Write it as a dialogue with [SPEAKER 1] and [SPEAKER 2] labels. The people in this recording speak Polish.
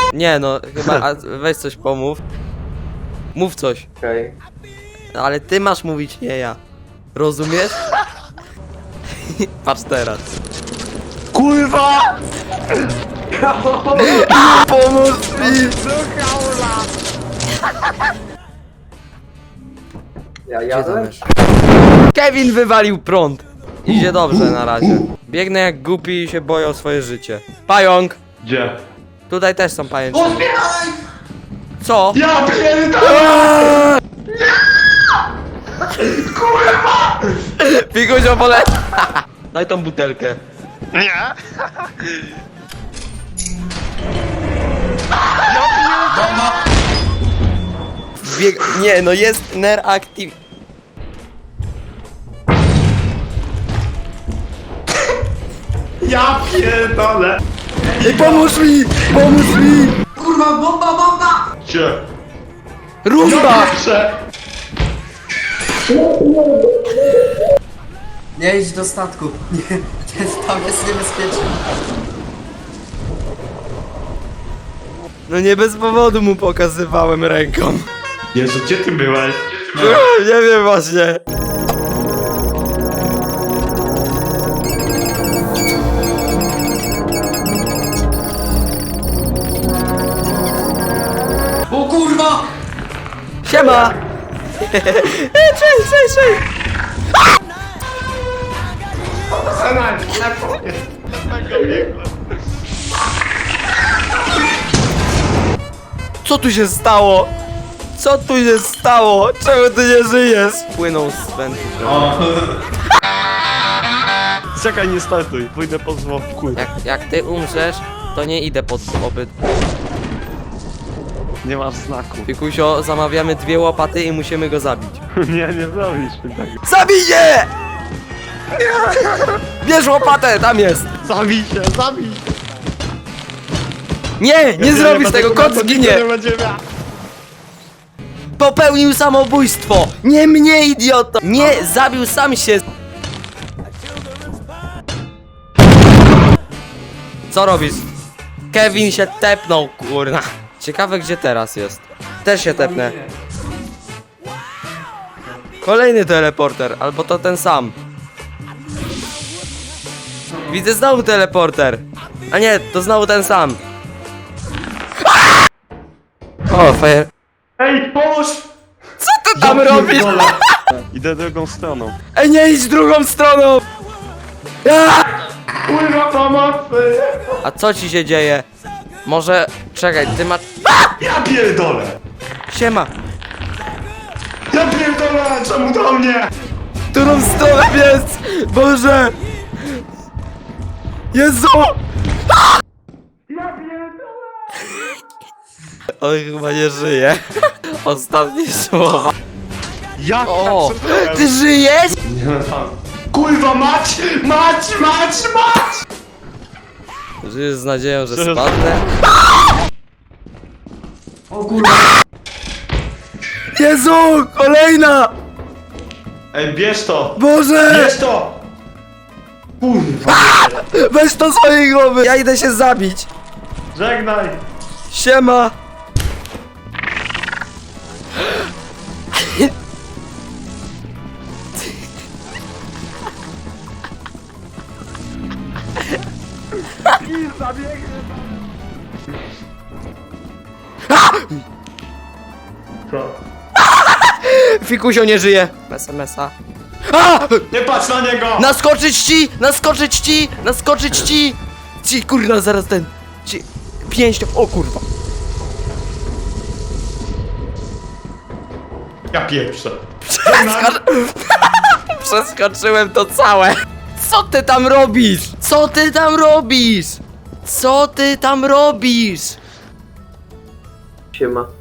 [SPEAKER 1] Nie no, chyba weź coś pomów. Mów coś.
[SPEAKER 2] Okej.
[SPEAKER 1] No, ale ty masz mówić, nie ja. Rozumiesz? Patrz teraz.
[SPEAKER 3] Kurwa!
[SPEAKER 1] Pomóż mi!
[SPEAKER 2] Ja
[SPEAKER 1] Gdzie
[SPEAKER 2] jadę?
[SPEAKER 1] zamierz? Kevin wywalił prąd. Idzie dobrze na razie. Biegnę jak głupi i się boję o swoje życie. Pająk!
[SPEAKER 3] Gdzie?
[SPEAKER 1] Tutaj też są pajęczyny. Co?
[SPEAKER 3] Ja pierdolę!
[SPEAKER 1] Pikuś opole... Daj tą butelkę.
[SPEAKER 3] Nie!
[SPEAKER 1] Nie no, jest ner active.
[SPEAKER 3] Ja pierdolę!
[SPEAKER 1] Ej, pomóż mi! Pomóż mi!
[SPEAKER 2] Kurwa, bomba!
[SPEAKER 3] Gdzie?
[SPEAKER 1] Rumba!
[SPEAKER 3] Pierwsze!
[SPEAKER 2] Nie idź do statku. Nie, tam jest niebezpiecznie.
[SPEAKER 1] No nie bez powodu mu pokazywałem ręką.
[SPEAKER 3] Jezu, gdzie ty byłeś?
[SPEAKER 1] Nie wiem właśnie.
[SPEAKER 2] O kurwa!
[SPEAKER 1] Siema! Cześć! Co tu się stało? Co tu się stało? Czemu ty nie żyjesz? Płynął z wędrów.
[SPEAKER 3] Czekaj, nie startuj, pójdę po zwłoku.
[SPEAKER 1] Jak ty umrzesz, to nie idę pod obyt.
[SPEAKER 3] Nie masz znaku.
[SPEAKER 1] Pikusio, zamawiamy 2 łopaty i musimy go zabić.
[SPEAKER 3] Nie zrobisz mi tego.
[SPEAKER 1] Zabij je! Bierz łopatę, tam jest!
[SPEAKER 3] Zabij się!
[SPEAKER 1] Nie zrobisz tego, kot zginie! Popełnił samobójstwo! Nie mnie, idioto! Nie, zabił sam się! Co robisz? Kevin się tepnął, kurna. Ciekawe, gdzie teraz jest. Też się tepnę. Kolejny teleporter, albo to ten sam. Widzę znowu teleporter. A nie, to znowu ten sam. O, fajer.
[SPEAKER 3] Ej, pomóż!
[SPEAKER 1] Co ty tam robisz?
[SPEAKER 3] Idę drugą stroną.
[SPEAKER 1] Ej, nie idź drugą stroną! Ja!
[SPEAKER 3] Kurwa, pomocy!
[SPEAKER 1] A co ci się dzieje? Może... Czekaj, ty masz...
[SPEAKER 3] Ja pierdolę!
[SPEAKER 1] Siema!
[SPEAKER 3] Ja pierdolę! Czemu do mnie?
[SPEAKER 1] Którą stronę jest? Boże! Jezu!
[SPEAKER 3] Ja pierdolę!
[SPEAKER 1] On chyba nie żyje. Ostatnie słowa.
[SPEAKER 3] Ja
[SPEAKER 1] O!
[SPEAKER 3] tak
[SPEAKER 1] Ty żyjesz?
[SPEAKER 3] Nie no tam. Kurwa, mać!
[SPEAKER 1] Żyjesz z nadzieją, że
[SPEAKER 3] Że-
[SPEAKER 1] spadnę?
[SPEAKER 2] O kurwa!
[SPEAKER 1] Jezu! Kolejna!
[SPEAKER 3] Ej, bierz to!
[SPEAKER 1] Boże!
[SPEAKER 3] Bierz to! Kurwa!
[SPEAKER 1] Weź to z swojej głowy! Ja idę się zabić!
[SPEAKER 3] Żegnaj!
[SPEAKER 1] Siema!
[SPEAKER 3] Co?
[SPEAKER 1] Fikusio nie żyje! Mesa. A!
[SPEAKER 3] Nie patrz na niego!
[SPEAKER 1] Naskoczyć ci! Naskoczyć ci! Naskoczyć ci! Ci, kurwa, zaraz ten... Ci... Pięścią... O kurwa!
[SPEAKER 3] Ja pieprzę.
[SPEAKER 1] Przeskoczyłem to całe! Co ty tam robisz? Co ty tam robisz? Co ty tam robisz?
[SPEAKER 2] Siema.